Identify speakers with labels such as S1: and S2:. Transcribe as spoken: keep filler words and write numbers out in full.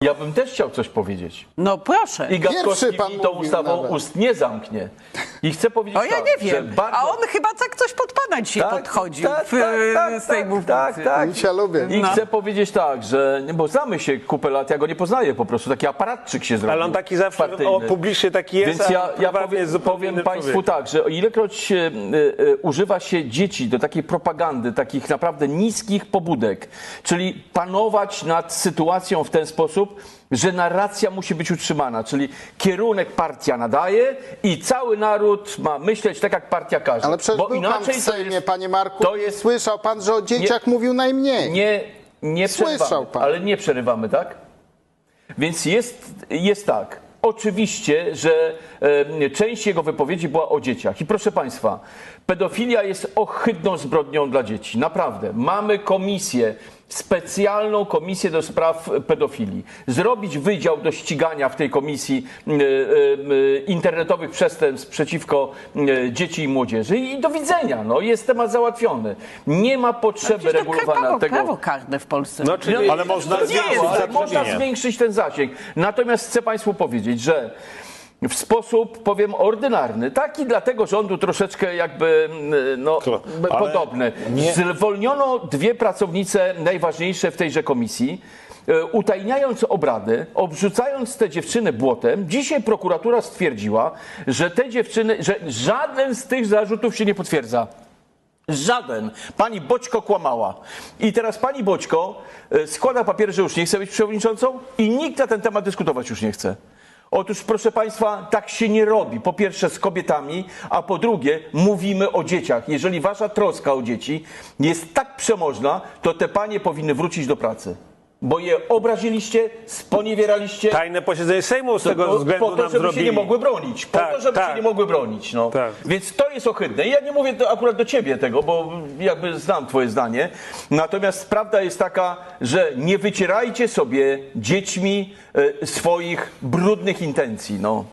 S1: Ja bym też chciał coś powiedzieć.
S2: No proszę.
S1: I Gatkowski
S3: Pierwszy pan
S1: mi tą
S3: mówił
S1: ustawą
S3: nawet.
S1: ust nie zamknie. I chcę powiedzieć
S2: O, ja
S1: tak,
S2: nie
S1: że
S2: wiem.
S1: bardzo...
S2: A on chyba tak coś pod pana dzisiaj podchodził
S1: tak,
S2: w,
S1: tak, tak,
S2: z tej
S1: tak,
S2: mównicy.
S1: tak, tak.
S3: Cię lubię.
S1: I
S2: No.
S1: chcę powiedzieć tak, że, nie, bo znamy się kupę lat, ja go nie poznaję po prostu, taki aparatczyk się zrobił.
S4: Ale on taki zawsze
S1: partyjny.
S4: o, publicznie taki jest,
S1: Więc ja,
S4: a
S1: ja
S4: prywatnie
S1: powiem,
S4: jest zupełnie
S1: powiem
S4: innym
S1: Państwu
S4: człowiekiem.
S1: tak, że o ilekroć e, e, używa się dzieci do takiej propagandy, takich naprawdę niskich pobudek, czyli panować nad sytuacją w ten sposób, że narracja musi być utrzymana, czyli kierunek partia nadaje i cały naród ma myśleć tak, jak partia każe.
S3: Ale przecież
S1: Bo
S3: był pan
S1: inaczej
S3: w
S1: to
S3: Sejmie,
S1: jest,
S3: panie Marku,
S1: to
S3: i
S1: jest-
S3: słyszał pan, że o dzieciach mówił najmniej.
S1: nie, nie
S3: Słyszał
S1: przerywamy,
S3: pan.
S1: ale nie przerywamy, tak? Więc jest, jest tak. Oczywiście, że e, część jego wypowiedzi była o dzieciach. I proszę Państwa, pedofilia jest ohydną zbrodnią dla dzieci. Naprawdę. Mamy komisję, specjalną komisję do spraw pedofilii. Zrobić wydział do ścigania w tej komisji e, e, internetowych przestępstw przeciwko e, dzieci i młodzieży. I do widzenia. No, jest temat załatwiony. Nie ma potrzeby
S2: Przecież to
S1: regulowania
S2: prawo,
S1: tego.
S2: prawo karne w Polsce.
S4: No, czyli,
S5: Ale można
S1: To nie
S5: zwiększyć
S1: jest, ale
S5: zatrudnienie.
S1: można zwiększyć ten zasięg. Natomiast chcę Państwu powiedzieć, że w sposób, powiem, ordynarny, taki dla tego rządu troszeczkę jakby no,
S5: Ale
S1: podobny.
S5: nie-
S1: Zwolniono dwie pracownice najważniejsze w tejże komisji, e, utajniając obrady, obrzucając te dziewczyny błotem. Dzisiaj prokuratura stwierdziła, że te dziewczyny, że żaden z tych zarzutów się nie potwierdza. Żaden. Pani Boćko kłamała. I teraz pani Boćko e, składa papiery, że już nie chce być przewodniczącą i nikt na ten temat dyskutować już nie chce. Otóż, proszę Państwa, tak się nie robi. Po pierwsze z kobietami, a po drugie mówimy o dzieciach. Jeżeli wasza troska o dzieci jest tak przemożna, to te panie powinny wrócić do pracy. Bo je obraziliście, sponiewieraliście.
S4: tajne posiedzenie Sejmu z tego
S1: po,
S4: względu
S1: po to,
S4: nam
S1: żeby
S4: zrobili.
S1: się nie mogły bronić. Po
S4: Tak,
S1: to, żeby
S4: tak.
S1: się nie mogły bronić. No.
S4: Tak.
S1: Więc to jest ohydne. I ja nie mówię to akurat do ciebie tego, bo jakby znam twoje zdanie. Natomiast prawda jest taka, że nie wycierajcie sobie dziećmi e, swoich brudnych intencji. No.